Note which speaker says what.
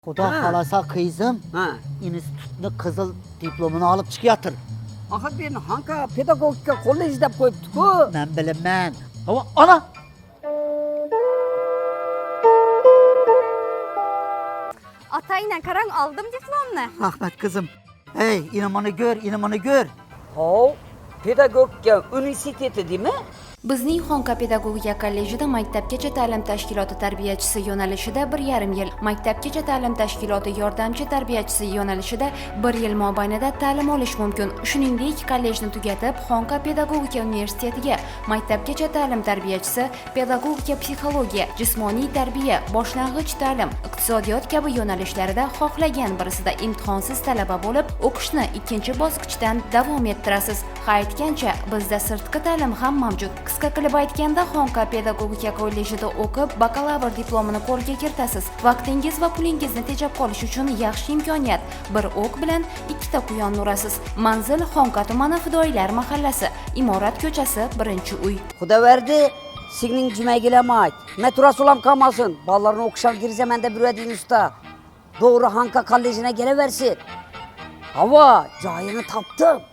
Speaker 1: Xudo xolasa qizim institutni qizil diplomini olib chiqyapti.
Speaker 2: Axir men Hanka pedagogika kollej deb qo'yibdi-ku.
Speaker 1: Men bilaman. Ana!
Speaker 3: Atayla qarang, aldım diplomni.
Speaker 1: Rahmat qizim. Ey, inamani gör, inamani gör.
Speaker 2: Hov, pedagogika universiteti deymi?
Speaker 4: Bizning Xonqa pedagogika kollejida maktabgacha ta'lim tashkiloti tarbiyachisi yo'nalishida 1,5 yil, maktabgacha ta'lim tashkiloti yordamchi tarbiyachisi yo'nalishida 1 yil mobaynida ta'lim olish mumkin. Shuningdek, kollejni tugatib, Xonqa pedagogika universitetiga maktabgacha ta'lim tarbiyachisi, pedagogika psixologiya, jismoniy tarbiya, boshlang'ich ta'lim, iqtisodiyot kabi yo'nalishlarida xohlagan birisida imtihonsiz talaba bo'lib, o'qishni 2-bosqichdan davom ettirasiz. Ha aytgancha, bizda sirtqi ta'lim ham mavjud. Qisqa qilib aytganda, Xonqa pedagogika kollejida o'qib, bakalavr diplomini qo'lga kiritasiz. Vaqtingiz va pulingizni tejab qolish uchun yaxshi imkoniyat. Bir o'q bilan 2 ta quyon urasiz. Manzil Xonqa tumani Fidoyilar mahallasi, Imorat ko'chasi, 1-uy.
Speaker 2: Xudoverdi, signing jumaygilama ayt. Metrosi ulam kalmasın. Ballarını o'qishga girzamanda bir usta. Doğru Hanka kolejine geleversin. Hava, joyini topdim.